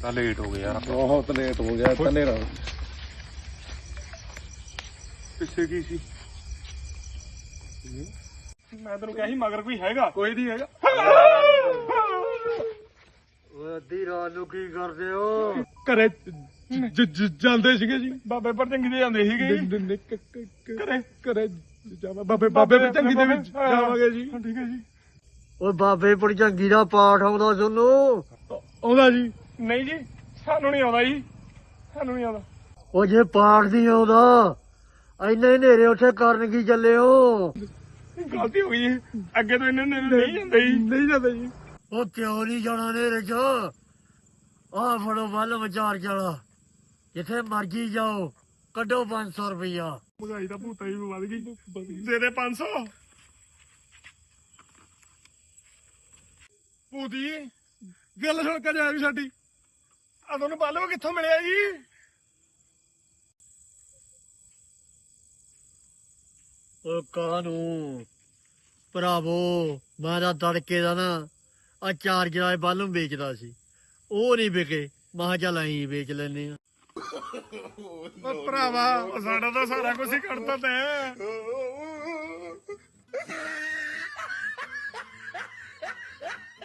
ਤਾਂ ਲੇਟ ਹੋ ਗਏ ਯਾਰ ਬਹੁਤ ਲੇਟ ਹੋ ਗਿਆ ਤਨੇਰਾ ਪਿੱਛੇ ਕੀ ਸੀ ਮੈਂ ਤੈਨੂੰ ਕਿਹਾ ਸੀ ਮਗਰ ਕੋਈ ਹੈਗਾ ਕੋਈ ਨਹੀਂ ਹੈਗਾ ਓਏ ਅੱਧੀ ਰਾਤ ਨੂੰ ਕੀ ਕਰਦੇ ਹੋ ਘਰੇ ਜਾਂਦੇ ਸੀਗੇ ਜੀ ਬਾਬੇ ਪਰ ਚੰਗੀ ਦੇ ਜਾਂਦੇ ਸੀਗੇ ਘਰੇ ਜਾਵਾ ਬਾਬੇ ਪਰ ਚੰਗੀ ਦੇ ਵਿੱਚ ਜਾਵਾਂਗੇ ਜੀ ਠੀਕ ਹੈ ਜੀ ਓਏ ਬਾਬੇ ਭੜਜੰਗੀ ਦਾ ਪਾਠ ਆਉਂਦਾ ਤੁਹਾਨੂੰ ਆਉਂਦਾ ਜੀ ਨਹੀਂ ਜੀ ਸਾਨੂੰ ਨਹੀਂ ਆਉਂਦਾ ਜੀ ਸਾਨੂੰ ਨਹੀਂ ਆਉਂਦਾ ਉਹ ਜੇ ਪਾਠ ਨਹੀਂ ਆਉਂਦਾ ਇੰਨੇ ਹਨੇਰੇ ਉੱਥੇ ਕਰਨ ਕੀ ਚੱਲੇ ਹੋ ਗਲਤੀ ਹੋ ਗਈ ਜੀ ਅੱਗੇ ਤੋਂ ਇਹਨਾਂ ਨੇ ਨਹੀਂ ਜਾਂਦੇ ਜੀ ਨਹੀਂ ਜਾਂਦੇ ਜੀ ਉਹ ਕਿਉਂ ਨਹੀਂ ਜਾਣਾ ਹਨੇਰੇ ਚ ਆਹ ਫੜੋ ਵੱਲ ਵਿਚਾਰ ਚਲਾ ਜਿੱਥੇ ਮਰਜੀ ਜਾਓ ਕੱਢੋ 500 ਰੁਪਇਆ ਮਹਿੰਗਾਈ ਦਾ ਭੂਤਾ ਹੀ ਵੱਧ ਗਈ ਦੇ ਦੇ 500 ਭੂਤੀ ਗੱਲ ਸੁਣ ਕੇ ਜਾਇਆ ਵੀ ਸਾਡੀ ਆ ਤੁਹਾਨੂੰ ਬਾਲੋ ਕਿੱਥੋਂ ਮਿਲਿਆ ਜੀ ਉਹ ਕਾਹਨੂੰ ਭਰਾਵੋ ਮੈਂ ਤਾਂ ਤੜਕੇ ਦਾ ਨਾ ਆ ਚਾਰਜਰ ਵਾਲੇ ਬਾਲੂ ਵੇਚਦਾ ਸੀ ਉਹ ਨਹੀਂ ਵਿਕੇ ਮੈਂ ਕਿਹਾ ਚੱਲ ਐਂ ਵੇਚ ਲੈਨੇ ਆ ਉਹ ਭਰਾਵਾ ਸਾਡਾ ਤਾਂ ਸਾਰਾ ਕੁਝ ਹੀ ਕੱਢਤਾ ਤੈਂ